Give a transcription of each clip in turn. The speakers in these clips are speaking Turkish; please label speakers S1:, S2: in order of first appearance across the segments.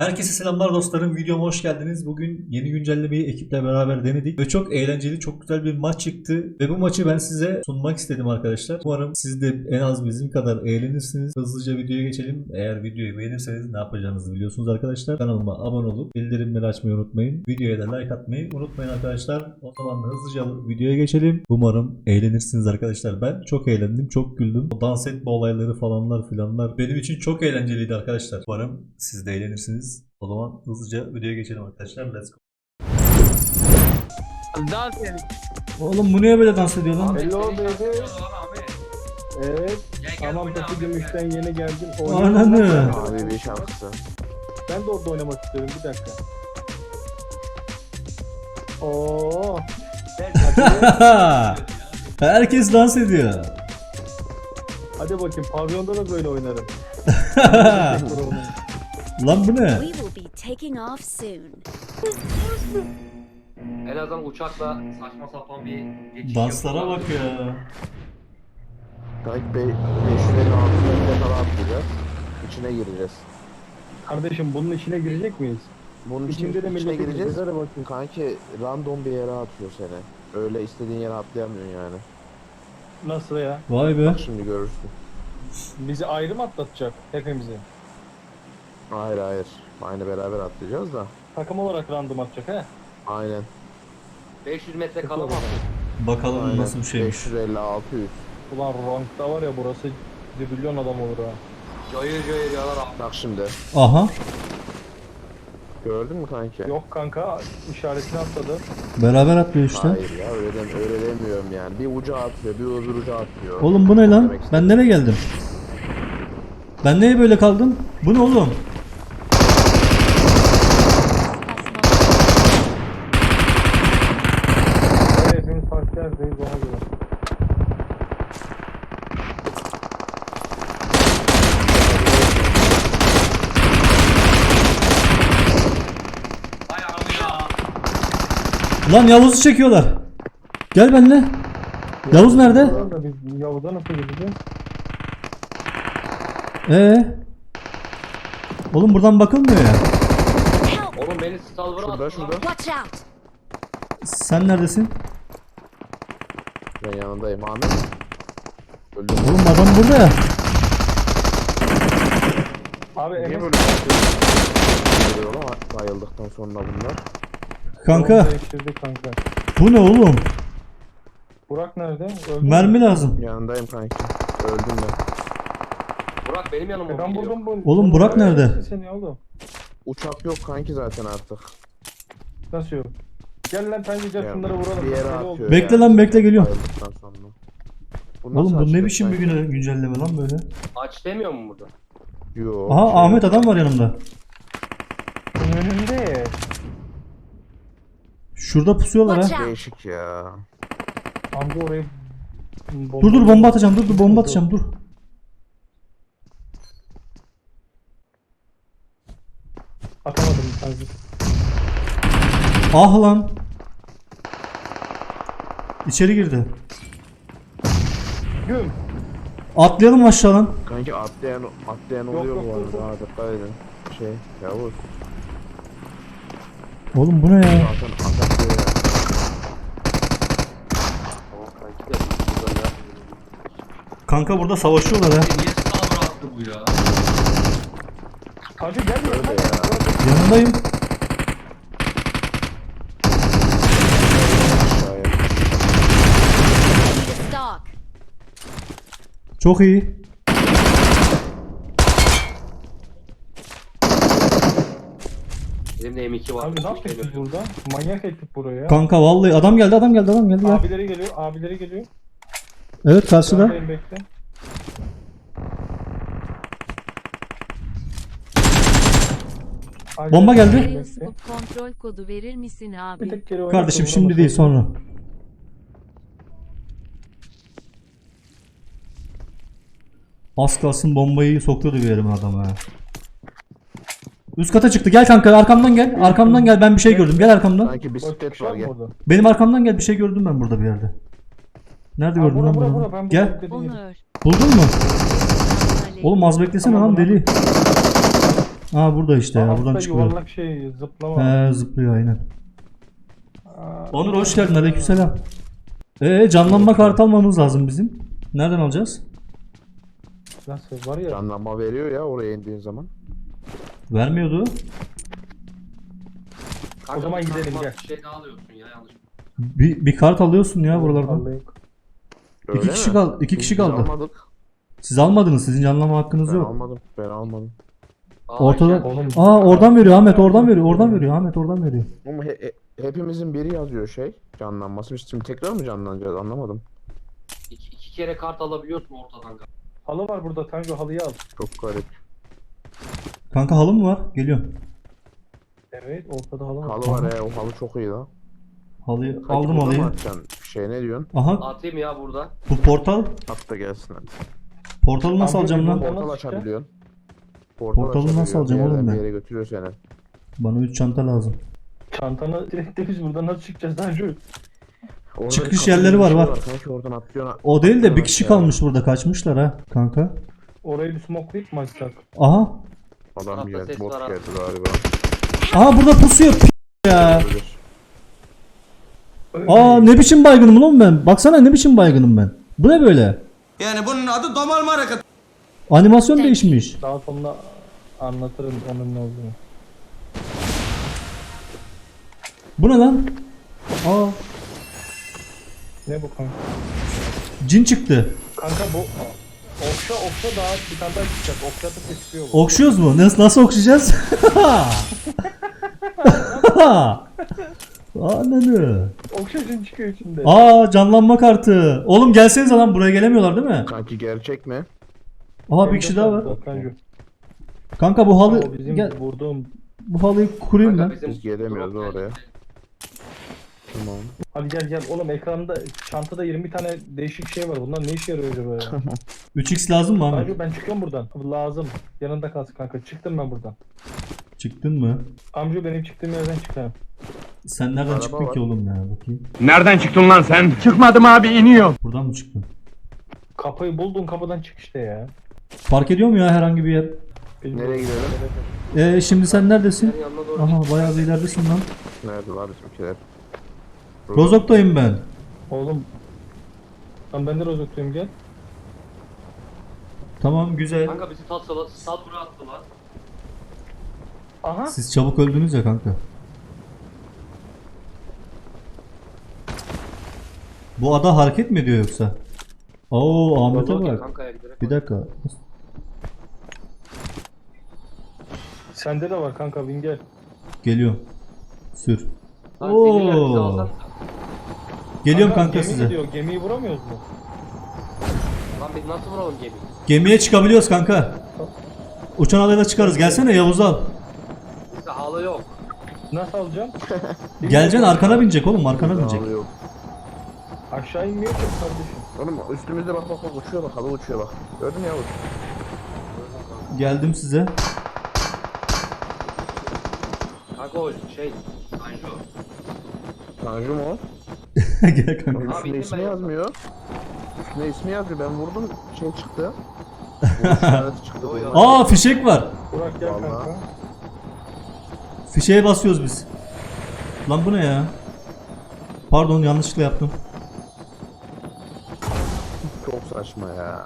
S1: Herkese selamlar dostlarım. Videoma hoş geldiniz. Bugün yeni güncellemeyi ekiple beraber denedik ve çok eğlenceli, çok güzel bir maç çıktı. Ve bu maçı ben size sunmak istedim arkadaşlar. Umarım siz de en az bizim kadar eğlenirsiniz. Hızlıca videoya geçelim. Eğer videoyu beğenirseniz ne yapacağınızı biliyorsunuz arkadaşlar. Kanalıma abone olup bildirimleri açmayı unutmayın. Videoya da like atmayı unutmayın arkadaşlar. O zaman da hızlıca videoya geçelim. Umarım eğlenirsiniz arkadaşlar. Ben çok eğlendim, çok güldüm. O dans etme olayları falanlar filanlar benim için çok eğlenceliydi arkadaşlar. Umarım siz de eğlenirsiniz. O zaman hızlıca videoya geçelim arkadaşlar. Let's go.
S2: Dans edelim.
S1: Oğlum bu niye böyle dans ediyor lan?
S3: Hello baby. Evet. Tamam Topu Gümüş'ten yeni geldim.
S1: Ananı.
S4: Abi bir şarkısı.
S3: Ben de orada oynamak istiyorum, bir dakika. Oo.
S1: Herkes dans ediyor.
S3: Hadi bakayım, pavyonda da böyle oynarım.
S1: Lan bu ne?
S5: We will be taking off soon.
S2: En azından uçakla saçma sapan bir geçiş
S1: Danslara
S2: yapıyorlar.
S1: bak ya.
S4: Kanki 550 altında falan atlayacağız. İçine gireceğiz.
S3: Kardeşim bunun içine girecek miyiz?
S4: Bunun
S3: İçinde de
S4: içine
S3: millete
S4: gireceğiz.
S3: gireceğiz. Hadi bakayım.
S4: Kanki random bir yere atıyor seni. Öyle istediğin yere atlayamıyorsun yani.
S3: Nasıl ya?
S1: Vay be.
S4: Bak şimdi görürsün.
S3: Bizi ayrı mı atlatacak hepimizi?
S4: Hayır hayır. Aynı beraber atlayacağız da.
S3: Takım olarak random atacak he?
S4: Aynen.
S2: 500 metre kala mı?
S1: Bakalım
S4: Aynen.
S1: nasıl bir şeymiş.
S4: 550 600.
S3: Ulan rankta var ya, burası zibilyon adam olur ha.
S2: Cayır cayır yalar abi.
S4: Bak şimdi.
S1: Aha.
S4: Gördün mü kanki?
S3: Yok kanka, işaretini atladı.
S1: Beraber atlıyor işte.
S4: Hayır ya öyle demiyorum yani. Bir uca atıyor, bir öbür uca atıyor.
S1: Oğlum bu ne lan?
S4: Demek istedim.
S1: Ben nereye geldim? Ben neye böyle kaldım? Bu ne oğlum?
S3: Evet, hepimiz farklı yerdeyiz, ona göre.
S2: Hay abi ya.
S1: Lan Yavuz'u çekiyorlar. Gel benimle. Yavuz nerede?
S3: Da biz Yavuz'a nasıl gideceğiz?
S1: Oğlum buradan bakılmıyor ya.
S5: Help!
S2: Oğlum beni salvara
S4: Şurada
S2: attı
S4: şurada.
S2: lan.
S5: Watch out!
S1: Sen neredesin?
S4: Ben yanındayım Ahmet. Öldüm.
S1: Oğlum adam burada ya.
S3: Abi
S4: Niye
S3: Enes
S4: böyle yapıyor lan bayıldıktan sonra bunlar?
S1: Kanka
S3: yolu değiştirdi kanka.
S1: bu ne oğlum?
S3: Burak nerede? Öldü mü?
S1: Mermi lazım.
S4: Yanındayım kanki. Öldüm ben.
S2: Burak benim yanıma mı
S3: Ben
S2: geliyor?
S3: buldum bu.
S1: Oğlum Burak nerede?
S3: Seni oğlum.
S4: Uçak yok kanki zaten artık.
S3: Nasıl yok? Gel lan bence
S4: Ya,
S3: şunları vuralım.
S4: bir yere
S3: Deli
S4: atıyor.
S3: oldu.
S1: Bekle lan, bekle, geliyorum.
S4: Bayıldıktan sonra.
S1: Oğlum
S4: nasıl
S1: bu ne
S4: açacak
S1: biçim bir
S4: kanki?
S1: güncelleme lan böyle?
S2: Aç demiyor mu burada?
S4: Yok.
S1: Aha
S4: şey
S1: Ahmet
S4: yok.
S1: adam var yanımda.
S3: Önünde.
S1: Şurada pusuyorlar ha.
S5: Watch out!
S4: Değişik ya.
S3: Amca orayı
S1: Dur bomba atacağım, dur bomba atacağım, dur.
S3: Atamadım bir tanesi.
S1: Ah lan. İçeri girdi.
S3: Güm.
S1: Atlayalım aşağı lan.
S4: Kanki atlayan oluyor
S3: yok,
S4: bu
S3: dur, dur.
S4: arada. Ha, dikkat edin. Yavuz.
S1: Oğlum bu ne ya?
S4: Zaten atak ya.
S2: Tamam kanki de burada ya.
S1: Kanka burada savaşıyorlar ha.
S2: Niye salvara attı bu ya?
S3: Hacı gel
S4: Öyle
S3: ya.
S4: ya.
S1: Yanındayım.
S4: Aşağıya.
S5: Stock!
S1: Çok iyi.
S2: Benim de M2 var.
S3: Abi ne yaptık biz burada? Manyak ettik buraya.
S1: Kanka vallahi adam geldi ya.
S3: Abileri geliyor, abileri geliyor.
S1: Evet karşıda.
S3: Yandayım, bekle. Acele
S1: Bomba geldi.
S3: bekle.
S6: Scope kontrol kodu verir misin
S3: Bir
S6: abi?
S3: tek geri oynat,
S1: Kardeşim
S3: sonra
S1: şimdi değil
S3: bakalım.
S1: sonra. Az kalsın bombayı sokuyordu bir yerime adam ha. Üst kata çıktı. Gel kanka arkamdan gel. Arkamdan gel, ben bir şey gördüm. Gel arkamdan.
S4: Sanki
S3: Bak,
S4: bisiklet
S3: şu an
S4: var gel.
S3: burada.
S1: Benim arkamdan gel, bir şey gördüm ben burada bir yerde. Nerede
S3: Aa,
S1: gördün
S3: bura,
S1: lan
S3: bura,
S1: bunu?
S3: bura, ben
S1: Gel.
S3: burada dediğim yeri.
S6: Onur.
S1: Buldun mu?
S6: Aleyküm.
S1: Oğlum az beklesene
S3: Tamam,
S1: lan
S3: tamam.
S1: deli. Aa burada işte ya, buradan
S3: Altta
S1: çıkıyor.
S3: yuvarlak şey zıplama.
S1: He zıplıyor aynen.
S3: Aa,
S1: Onur hoş geldin, aleykümselam. Canlanma kartı almamız lazım bizim. Nereden alacağız?
S3: Nasıl var ya?
S4: Canlanma veriyor ya oraya indiğin zaman.
S1: Vermiyordu.
S2: Kanka,
S3: O zaman
S2: bir
S3: gidelim,
S2: tane
S3: gel.
S2: Bir şey daha alıyorsun ya yanlış.
S1: Bir kart alıyorsun ya buralardan.
S3: Vallahi yok.
S4: Öyle
S1: İki kişi
S4: mi?
S1: kaldı. İki kişi
S4: Biz
S1: kaldı.
S4: almadık.
S1: Siz almadınız. Sizin canlanma hakkınız
S4: Ben
S1: yok.
S4: almadım. Ben almadım.
S1: Ortada.
S3: Oğlum.
S1: Aa oradan veriyor Ahmet, oradan veriyor. Oradan veriyor Ahmet, oradan veriyor.
S4: Ama hepimizin biri yazıyor şey. Canlanması. Biz şimdi tekrar mı canlanacağız? Anlamadım.
S2: İki kere kart alabiliyorsun ortadan.
S3: Halı var burada. Tanju halıyı al.
S4: Çok garip.
S1: Kanka halı mı var? Geliyorum.
S3: Evet, ortada halı var.
S4: Halı var ya. O halı çok iyi la.
S1: Halıyı
S4: Kanki
S1: aldım
S4: burada mı
S1: halıyı.
S4: atacaksın? Şey ne diyorsun?
S1: Aha
S2: Atayım ya burada.
S1: bu portal.
S4: At da gelsin hadi.
S1: Portalı nasıl
S3: Abi,
S1: alacağım lan?
S3: bu-
S4: Portal
S3: Nasıl
S4: açabiliyorsun.
S1: Portalı nasıl
S4: açabiliyorsun.
S1: alacağım
S4: Bir
S1: oğlum
S4: yerden
S1: ben?
S4: Bir yere götürüyor seni.
S1: Bana 3 çanta lazım.
S3: Çantanı direkt de biz buradan nasıl çıkacağız Tanju?
S4: Orada
S1: Çıkış
S4: kapı
S1: yerleri
S4: gibi bir
S1: var,
S4: şey
S1: var.
S4: Kanki oradan atlıyorsun.
S1: O değil de bir
S4: atlıyorsun
S1: kişi
S4: aşağıya.
S1: kalmış burada, kaçmışlar ha kanka.
S3: Orayı bir smokelayıp mı açsak?
S1: Aha.
S4: Adam
S2: Tarafta
S4: geldi.
S2: ses
S4: Bot
S2: var abi.
S4: geldi galiba.
S1: Aha burada pusuyor ya.
S4: Olabilir.
S1: Aa ne biçim baygınım lan ben. Baksana ne biçim baygınım ben. Bu ne böyle?
S7: Yani bunun adı domalma hareketi.
S1: Animasyon değişmiş.
S3: Daha sonra anlatırım onun ne olduğunu.
S1: Bu ne lan? Aa
S3: Ne bu kanka?
S1: cin çıktı.
S3: Kanka bu okşa daha bir tane daha çıkacak. Okşa da seçiyor bu.
S1: Okşuyoruz mu? Nasıl okşayacağız? Ananı.
S3: Okşacın çıkıyor içinde.
S1: Aa canlanma kartı. Oğlum gelsenize lan, buraya gelemiyorlar değil mi?
S4: Kanki gerçek mi?
S1: Aha bir kişi daha var.
S3: Tanju.
S1: Kanka bu halı
S3: O bizim
S1: gel,
S3: vurduğum.
S1: bu halıyı kurayım
S2: Kanka
S1: ben.
S2: bizim
S4: Biz gelemiyoruz
S2: drop
S4: oraya.
S2: geldi.
S4: Tamam.
S3: Hadi gel oğlum, ekranda çantada 20 tane değişik şey var. Bunlar ne işe yarıyor acaba ya?
S1: 3x lazım mı Ahmet?
S3: Tanju ben çıkıyorum buradan. Lazım. Yanında kalsın kanka. Çıktım ben buradan.
S1: Çıktın mı?
S3: Amca benim çıktığım yerden çıkarım.
S1: Sen nereden
S4: Araba
S1: çıktın
S4: var.
S1: ki oğlum ya, bakayım.
S7: Nereden çıktın lan sen? Çıkmadım abi, iniyor.
S1: Buradan mı çıktın?
S3: Kapıyı buldun, kapıdan çık işte ya.
S1: Fark ediyor mu ya herhangi bir yer?
S4: Nereye gidelim?
S1: Şimdi sen neredesin?
S2: Senin yanına doğru
S1: Aha bayağı bir ileridesin lan.
S4: Nerede var bizimkiler?
S1: Rozok'tayım ben.
S3: Oğlum. Lan ben de rozokluyum, gel.
S1: Tamam güzel.
S2: Kanka bizi Sadbur'a attılar.
S3: Aha.
S1: Siz çabuk öldünüz ya kanka. Bu ada hareket mi ediyor yoksa? Oo Ahmet'e
S2: Rozok ya
S1: bak.
S2: kankaya giderek.
S1: Bir dakika.
S3: Sende de var kanka, bin gel.
S1: Geliyorum. Sür.
S2: Lan sinirler bizi
S1: Oo.
S2: alsan.
S1: Geliyorum kanka
S3: gemi
S1: size.
S3: gidiyor, gemiyi vuramıyoruz mu?
S2: Lan biz nasıl vuralım gemiyi?
S1: Gemiye çıkabiliyoruz kanka. Uçan adayla çıkarız. Gelsene Yavuz al.
S2: Bizde halı yok.
S3: Nasıl alacağım?
S1: Geleceksin, arkana binecek oğlum, arkana binecek.
S4: Halı yok.
S3: Aşağı inmiyor ki kardeşim.
S4: Oğlum üstümüzde bak uçuyor bak, halı uçuyor bak. Gördün mü Yavuz?
S1: Geldim size.
S2: Kanka o şey. Tanju.
S4: Tanju mu o?
S1: Gel kanka.
S2: Abi,
S4: Üstünde
S2: indim
S4: ismi
S2: ben
S4: yazmıyor. Üstünde ismi yazmıyor. Ben vurdum şey çıktı. Vuruş işareti çıktı.
S2: Yo, yo.
S1: Aa fişek var.
S3: Burak gel
S4: Vallahi.
S3: kanka.
S1: Fişeğe basıyoruz biz. Lan bu ne ya? Pardon yanlışlıkla yaptım.
S4: Çok saçma ya.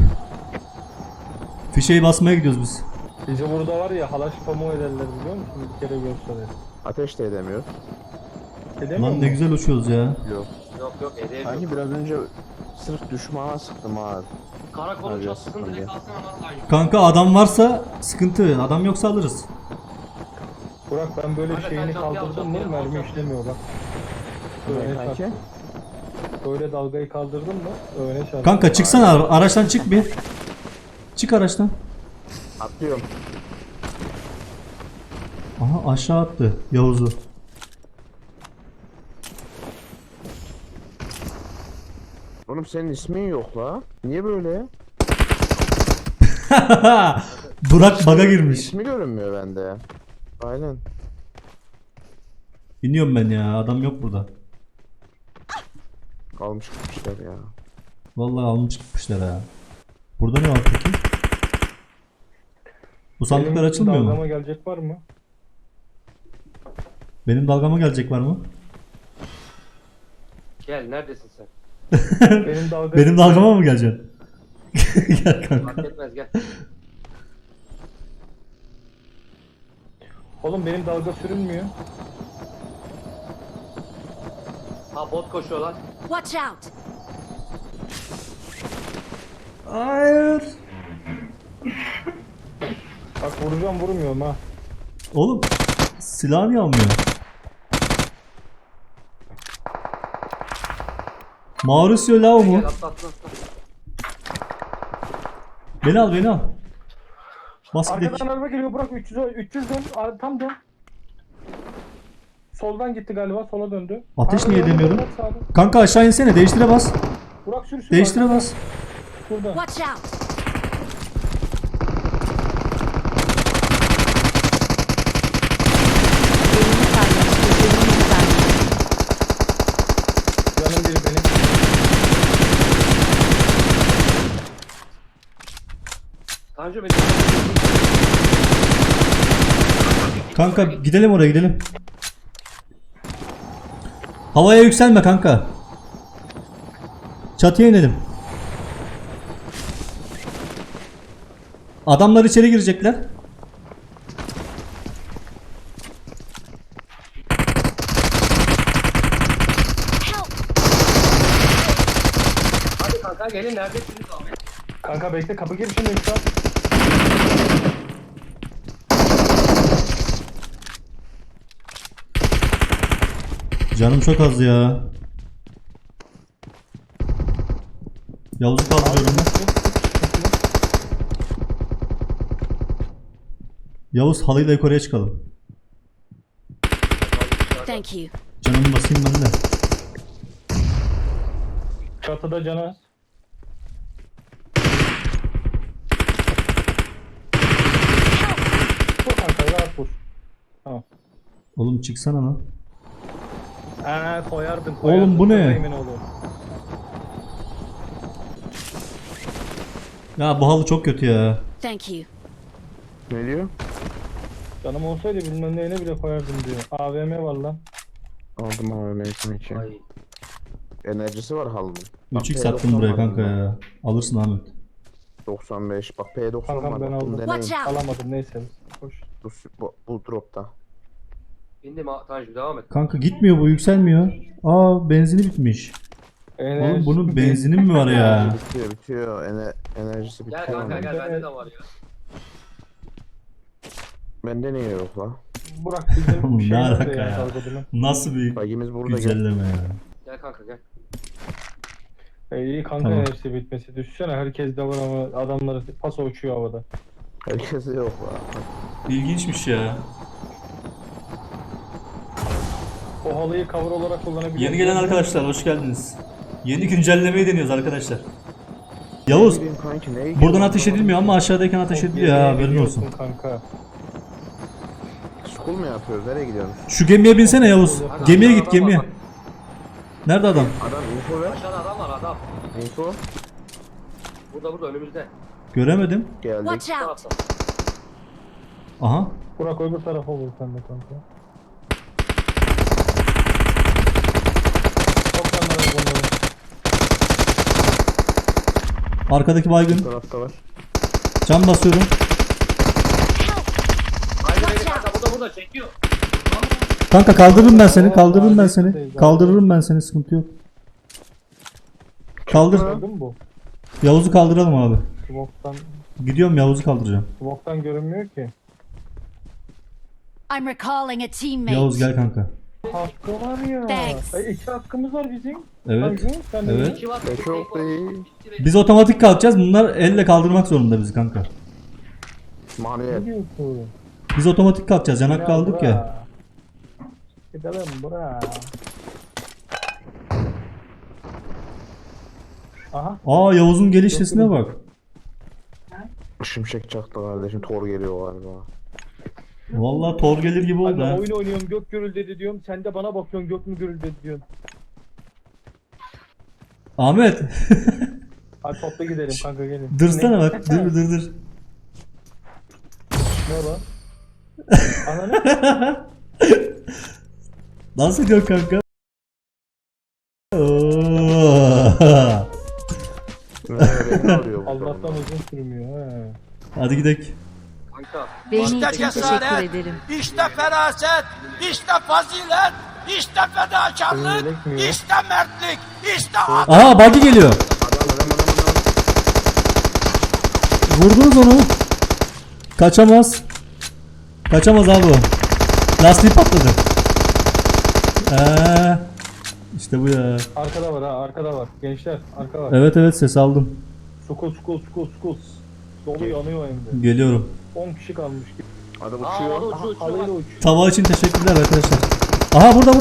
S1: Fişeği basmaya gidiyoruz biz.
S3: Bizi burada var ya, halaş pamuğu ederler biliyor musun? Bir kere görseler.
S4: Ateş de edemiyor.
S3: Edemiyor
S1: Lan ne
S3: mu?
S1: güzel uçuyoruz ya.
S4: Yok.
S2: Yok edemiyorum.
S4: Sanki biraz önce sırf düşmana sıktım ha.
S2: Karakolun
S4: Hadi
S2: çatısını
S4: hadi.
S2: direkt alsana lan Tanju.
S1: Kanka adam varsa sıkıntı. Adam yoksa alırız.
S3: Burak ben böyle
S2: Kanka,
S3: şeyini
S2: sen çantayı
S3: kaldırdım
S2: alacaksın,
S3: mı
S2: benim
S3: mermi
S2: alacağım.
S3: işlemiyor bak. Öne
S4: Kanki.
S3: çarp. Böyle dalgayı kaldırdın mı öne çarp.
S1: Kanka çıksana araçtan, çık bir. Çık araçtan.
S4: Atlıyorum.
S1: Aha aşağı attı Yavuz'u.
S4: Oğlum senin ismin yok la. Niye böyle?
S1: Burak baga girmiş.
S4: İsmi görünmüyor bende. Aynen.
S1: İniyorum ben ya, adam yok burada.
S4: Kalmış gitmişler ya.
S1: Vallahi almış gitmişler ha. Burada ne var peki? Bu sandıklar
S3: Benim
S1: açılmıyor mu?
S3: dalgama gelecek var mı?
S1: Benim dalgama gelecek var mı?
S2: Gel neredesin sen?
S3: Benim dalga...
S1: Benim dalgama mı geleceksin? Gel kanka.
S2: Fark etmez gel.
S3: Oğlum benim dalga sürünmüyor.
S2: Ha bot koşuyorlar.
S5: Watch out!
S1: Hayır.
S3: Bak vuracağım vurmuyorum ha.
S1: Oğlum silah niye almıyor? Mauricio Lau mu?
S2: Gel atla atla atla.
S1: Beni al beni al. Bas gidelim.
S3: Arkadan araba geliyor bırak 300 dön tam dön. Soldan gitti galiba sola döndü.
S1: Ateş niye
S3: Arkadan
S1: edemiyorum?
S3: bırak sağdan.
S1: Kanka aşağı insene, değiştire bas.
S3: Burak sür.
S1: Değiştire bas.
S3: Burada.
S5: Watch out!
S6: Elini paylaştı. Elini paylaştı.
S3: Canım biri benim.
S2: Tanju beni.
S1: Kanka gidelim oraya gidelim. Havaya yükselme kanka. Çatıya inelim. Adamlar içeri girecekler.
S5: Help!
S2: Hadi kanka gelin neredesiniz Ahmet?
S3: Kanka bekle kapı girişindeyim şu an.
S1: Canım çok az ya. Yavuz'u kaldırıyorum ben. Yavuz halıyla yukarıya çıkalım.
S5: Thank you.
S1: Canımı basayım ben de.
S3: Çatıda canı. Vur kanka rahat vur. Tamam.
S1: Oğlum çıksana lan.
S3: Koyardım.
S1: Oğlum bu ne?
S3: Emin olun.
S1: Ya bu halı çok kötü ya.
S5: Thank you.
S4: Ne diyor?
S3: Canım olsaydı bilmem neyine bile koyardım diyor. AVM var lan.
S4: Aldım abi mevsim için.
S2: Ay.
S4: Enerjisi var halının.
S1: 3x attım buraya kanka ya. Alırsın Ahmet.
S4: 95. Bak P90
S3: Kankam
S4: var.
S3: ben
S4: Bak, bunu
S3: aldım.
S4: deneyin.
S5: Watch out!
S3: Alamadım neyse. Koş.
S4: Bu dropta.
S2: Bindim Tanju devam et.
S1: Kanka gitmiyor bu, yükselmiyor. Aa benzini bitmiş. Oğlum bunun benzini mi var ya?
S4: Bitiyor. Enerjisi
S2: Gel
S4: bitiyor.
S2: kanka
S4: onun.
S2: gel bende de var ya.
S4: Bende niye yok la?
S3: Burak bizim
S1: Oğlum,
S3: şey
S1: ne
S3: nerede
S1: alaka ya?
S3: dalgadını?
S1: Nasıl bir
S4: Bagimiz burada gel.
S1: güncelleme ya.
S2: Gel kanka gel.
S3: İyi kanka
S1: Tamam.
S3: enerjisi bitmesi. Düşünsene herkes de var ama adamlar paso uçuyor havada.
S4: Herkese yok la.
S1: İlginçmiş ya.
S3: O halıyı cover olarak kullanabiliyor.
S1: Yeni gelen arkadaşlar hoş geldiniz. Yeni güncellemeyi deniyoruz arkadaşlar. Yavuz,
S4: Bileyim kanki, neye
S1: buradan
S4: gidiyor?
S1: ateş edilmiyor ama aşağıdayken ateş ediliyor ya, haberin olsun.
S3: Kanka.
S4: School mu yapıyoruz? Nereye gidiyoruz?
S1: Şu gemiye binsene Yavuz.
S2: Hadi
S1: Gemiye
S2: aşağıda
S1: git
S2: adam var,
S1: gemiye.
S2: bak.
S1: Nerede adam?
S4: Adam info ver.
S2: Aşağıda adam var adam.
S4: Info.
S2: Burada önümüzde.
S1: Göremedim.
S4: Geldik.
S5: Watch
S2: Bu
S5: out!
S2: tarafta.
S1: Aha.
S3: Burak öbür tarafa vur sen de kanka. Toplanlar bunları.
S1: Arkadaki
S4: Bu
S1: baygın.
S4: tarafta var.
S1: Can basıyorum.
S2: Haydi beni kanka burada çekiyor.
S1: Kanka kaldırırım ben seni. Kaldırırım ben seni. Kaldırırım ben seni. Sıkıntı yok. Kaldır.
S3: Gördün mü bu?
S1: Yavuz'u kaldıralım abi.
S3: Smoke'tan,
S1: Gidiyorum Yavuz'u kaldıracağım.
S3: smoke'tan görünmüyor ki.
S5: I'm recalling a teammate.
S1: Yavuz gel kanka.
S3: Hakkı var ya.
S5: Thanks.
S3: Ay, 2 hakkımız var bizim.
S1: Evet.
S3: Tanju, sen de
S1: Evet.
S2: İki var.
S4: E çok değil.
S1: Biz otomatik kalkacağız. Bunlar elle kaldırmak zorunda bizi kanka.
S4: Manuel.
S3: Ne diyorsun?
S1: Biz otomatik kalkacağız. Yanak kaldık ya.
S3: Gidelim bura. Aha.
S1: Aa Yavuz'un geliş sesine bak.
S4: Şimşek çaktı kardeşim. Tor geliyor galiba.
S1: Vallahi Thor gelir gibi oldu
S3: Anne
S1: ha.
S3: oyun oynuyorum gök gürüldedi diyorum. Sen de bana bakıyorsun gök mü gürüldedi diyorsun.
S1: Ahmet.
S3: Hadi topla gidelim kanka gelin.
S1: Dursana
S3: Ne?
S1: bak. Dur.
S3: Ne lan? Ananı.
S1: Nasıl gidiyor kanka? Oo.
S4: Ne arıyor bu
S3: Allah'tan
S4: adamlar?
S3: uzun sürmüyor ha.
S1: Hadi gidelim.
S2: Kanka.
S6: Beğeni için teşekkür ederim.
S7: İşte feraset, işte fazilet, işte fedakarlık,
S3: Yelek mi ya?
S7: işte mertlik, işte
S1: Aha buggy geliyor.
S4: Adam.
S1: Vurdunuz onu. Kaçamaz. Kaçamaz abi o. Lastiği patladı. İşte bu ya.
S3: Arkada var ha, arkada var. Gençler, arka var.
S1: Evet evet ses aldım.
S3: Skul. Dolu yanıyor hem de.
S1: Geliyorum.
S3: 10 kişi kalmış.
S4: Adam
S2: Aa
S4: uçuyor.
S2: orada uçuyor
S3: Halıyla
S2: uçuyor.
S3: uçuyor.
S1: Tava için teşekkürler arkadaşlar. Aha burada.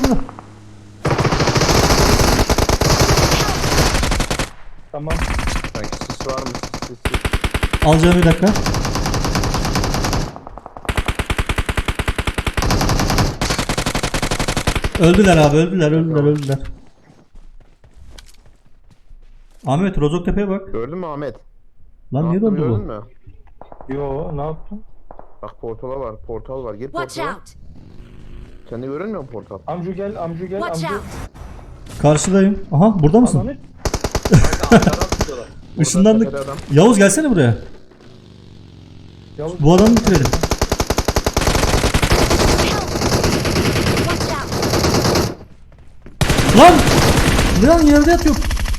S3: Tamam.
S4: Sanki sis var mı? Sis.
S1: Alacağım bir dakika. Öldüler abi öldüler. Ahmet Rozoktepe'ye bak.
S4: Gördün mü Ahmet?
S1: Lan niye
S4: yaptım,
S1: dondu
S4: gördün
S1: bu?
S4: mü?
S3: Yo, ne yaptın?
S4: Bak portal var. Gir
S5: Watch
S4: portala.
S5: out!
S4: Sen de görünmüyor mu portal?
S3: Amcu gel.
S5: Watch out!
S1: Karşıdayım. Aha burada mısın?
S3: Ananı.
S2: Kanka arkadan tutuyorlar.
S1: Işınlandık.
S4: Tepede adam.
S1: Yavuz gelsene buraya.
S3: Yavuz.
S1: Bu adamı bitirelim.
S5: Watch out!
S1: Lan! Lan yerde yatıyor.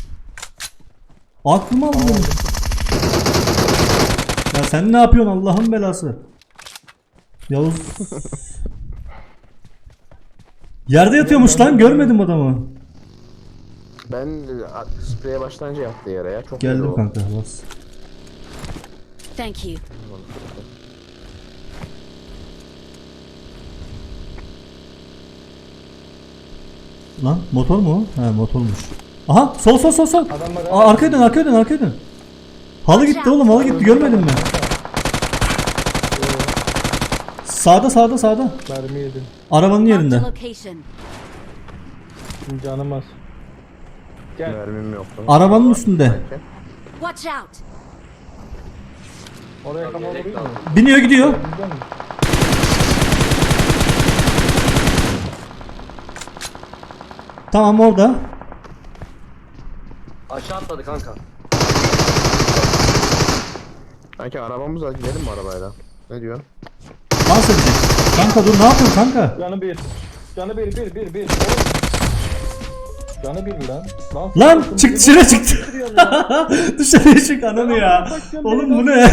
S1: Aklımı aldı benim. Ya sen ne yapıyorsun Allah'ın belası? Yavuz. Yerde yatıyormuş lan görmedim adamı.
S4: Ben spreye başlayınca yattı yere ya. Çok
S1: Geldim
S4: iyi o.
S1: kanka bas.
S5: Thank you.
S1: Lan motor mu o? He motormuş. Aha sol.
S3: Adam var.
S1: Aa, arkaya dön. Halı gitti oğlum halı gitti görmedin mi? Sağda.
S3: Mermi yedim.
S1: Arabanın
S5: Marked a
S1: yerinde.
S5: location.
S3: Canım az. Gel.
S4: Mermim yok.
S1: Arabanın üstünde.
S4: Sanki.
S5: Watch out!
S3: Oraya kafa
S2: Yelek
S3: vurayım mı?
S2: lazım.
S1: Biniyor gidiyor.
S3: Bizden mi?
S1: Tamam orada.
S2: Aşağı atladı kanka.
S4: Sanki arabamız var. Gidelim mi arabayla? Ne diyorsun?
S1: Dans edecek. Kanka dur ne yapıyorsun kanka?
S3: Canı bir. Canı bir. Canı bir lan.
S1: Lan
S3: sen-
S1: çık dışarı çıktı. Dışarıya çık ananı ya. Oğlum bu ne?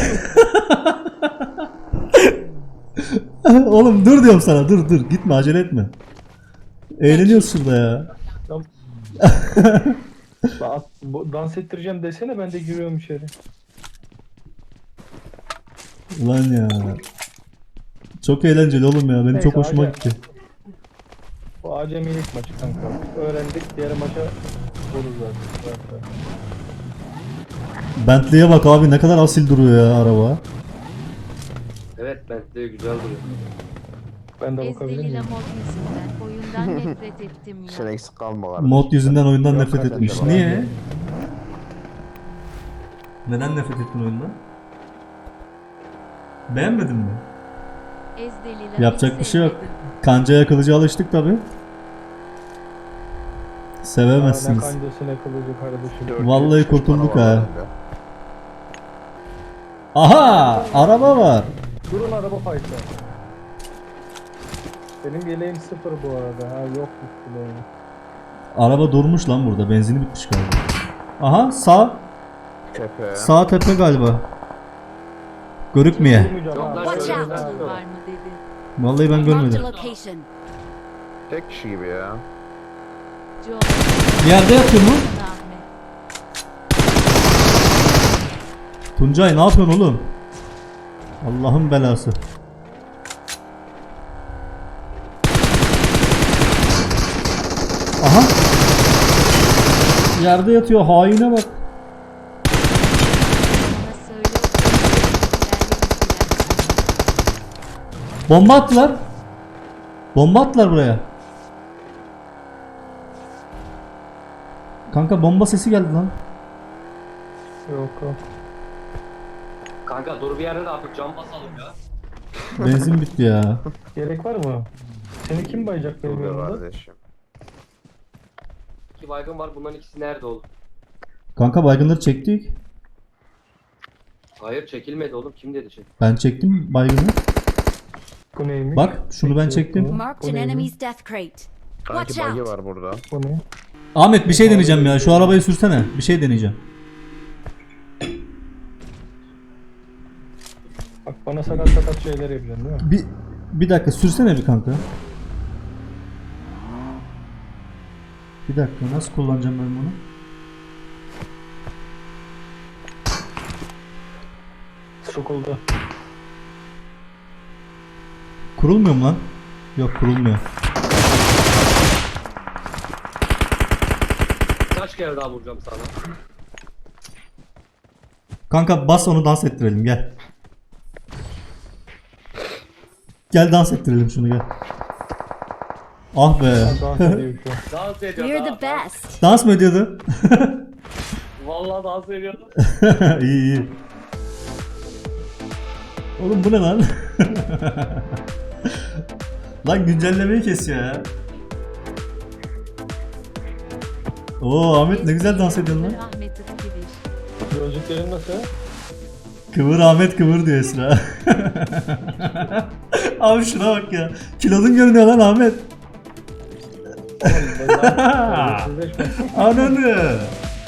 S1: Oğlum dur diyorum sana dur gitme acele etme. Eğleniyoruz şurada ya.
S3: Dans ettireceğim desene ben de giriyorum içeri.
S1: Ulan ya. Çok eğlenceli oğlum ya benim
S3: Neyse,
S1: çok hoşuma
S3: hadi.
S1: gitti.
S3: Bu acemilik maçı kanka. Öğrendik diğer maça buluruz zaten.
S1: Bentley'e bak abi ne kadar asil duruyor ya araba.
S2: Evet Bentley güzel duruyor.
S3: Ben de bakabilir
S6: Ezdeli
S3: miyim?
S6: mod yüzünden oyundan nefret ettim ya.
S4: Sen eksik kalma kardeşim.
S1: Mod yüzünden oyundan
S3: Yok
S1: nefret
S3: kardeşim,
S1: etmiş.
S3: ben
S1: Niye?
S3: de-
S1: Neden nefret ettin oyundan? Beğenmedin mi?
S6: Ezdeliler
S1: Yapacak bir şey yok.
S6: sevmedim.
S1: Kancaya kılıca alıştık tabi.
S3: Ne
S1: Sevemezsiniz.
S3: kancası ne kılıcı kardeşim.
S1: Vallahi
S4: Şişman
S1: kurtulduk
S4: var
S1: ha.
S4: bende.
S1: Aha! Araba var.
S3: Durun araba fight'ta. Benim yeleğim 0 bu arada. Ha yok bu yeleğim.
S1: Araba durmuş lan burada. Benzini bitmiş galiba. Aha sağ.
S4: Tepe.
S1: Sağ tepe galiba. Görükmeye.
S3: Durmayacağım
S2: Yok
S3: ha.
S2: lan
S5: Watch
S2: şöyle
S5: out.
S2: ben
S6: Akıl
S2: tutuyorum.
S6: var mı dedi.
S1: Vallahi ben
S5: Marked a
S1: görmedim.
S5: location.
S4: Tek kişi gibi ya.
S6: John
S1: Yerde yatıyor mu?
S6: Ahmet.
S1: Tuncay ne yapıyorsun oğlum? Allah'ın belası. Aha. Yerde yatıyor haine bak.
S6: Bana söyle o
S1: Bomba attılar. Bomba attılar buraya. Kanka bomba sesi geldi lan.
S3: Yok yok.
S2: Kanka dur bir yerde de artık cam basalım ya.
S1: Benzin bitti ya.
S3: Gerek var mı? Seni kim bayacak benim
S4: Dur be
S3: yanımda?
S4: kardeşim.
S2: 2 baygın var. Bunların ikisi nerede oğlum?
S1: Kanka baygınları çektik.
S2: Hayır çekilmedi oğlum. Kim dedi şey?
S1: Ben çektim baygını.
S3: Bu neymiş?
S1: Bak şunu ben çektim.
S5: Marked an enemy's death crate.
S4: Sanki
S5: Watch
S4: bug'i
S5: out.
S4: var burada.
S3: Bu ne?
S1: Ahmet bir şey deneyeceğim ya. Şu arabayı sürsene. Bir şey deneyeceğim.
S3: Bak bana sakat sakat şeyler yapıyorsun değil mi?
S1: Bir dakika sürsene bir kanka. Bir dakika nasıl kullanacağım ben bunu?
S3: Sokuldu.
S1: Kurulmuyor mu lan? Yok kurulmuyor.
S2: Kaç kere daha vuracağım sana?
S1: Kanka bas onu dans ettirelim gel. Gel dans ettirelim şunu gel. Ah be.
S3: Dans ediyor şu an.
S2: Dans ediyor.
S5: We're
S2: daha.
S5: the best.
S1: Dans mı ediyordu?
S2: Vallahi dans ediyordu.
S1: İyi iyi. Oğlum bu ne lan? Lan güncellemeyi kesiyor ya. Oo Ahmet ne güzel dans ediyorsun lan.
S6: Ahmet Iskivir.
S3: Gözlüklerin nasıl?
S1: Kıvır Ahmet kıvır diyor Esra. Abi şuna bak ya. Kilodun görünüyor lan Ahmet.
S3: Sizleşme.
S1: Ananı.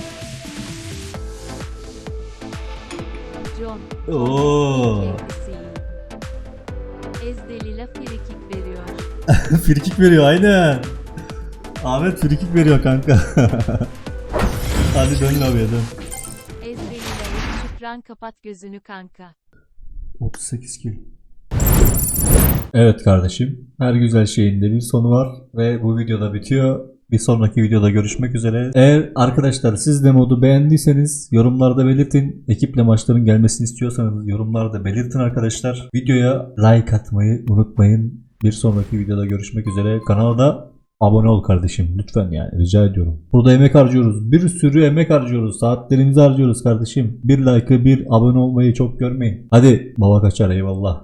S6: John.
S1: Oo.
S6: Kendisiyim. Ezdelila frikik veriyor.
S1: Frikik veriyor aynen. Ahmet frikik veriyor kanka. Hadi dön abiye dön.
S6: Ezdelila'ya şükran kapat gözünü kanka.
S1: 38 kill. Evet kardeşim. Her güzel şeyin de bir sonu var ve bu videoda bitiyor. Bir sonraki videoda görüşmek üzere. Eğer arkadaşlar siz de modu beğendiyseniz yorumlarda belirtin. Ekiple maçların gelmesini istiyorsanız yorumlarda belirtin arkadaşlar. Videoya like atmayı unutmayın. Bir sonraki videoda görüşmek üzere. Kanala da abone ol kardeşim. Lütfen yani rica ediyorum. Burada emek harcıyoruz. Bir sürü emek harcıyoruz. Saatlerimizi harcıyoruz kardeşim. Bir like'ı bir abone olmayı çok görmeyin. Hadi baba kaçar eyvallah.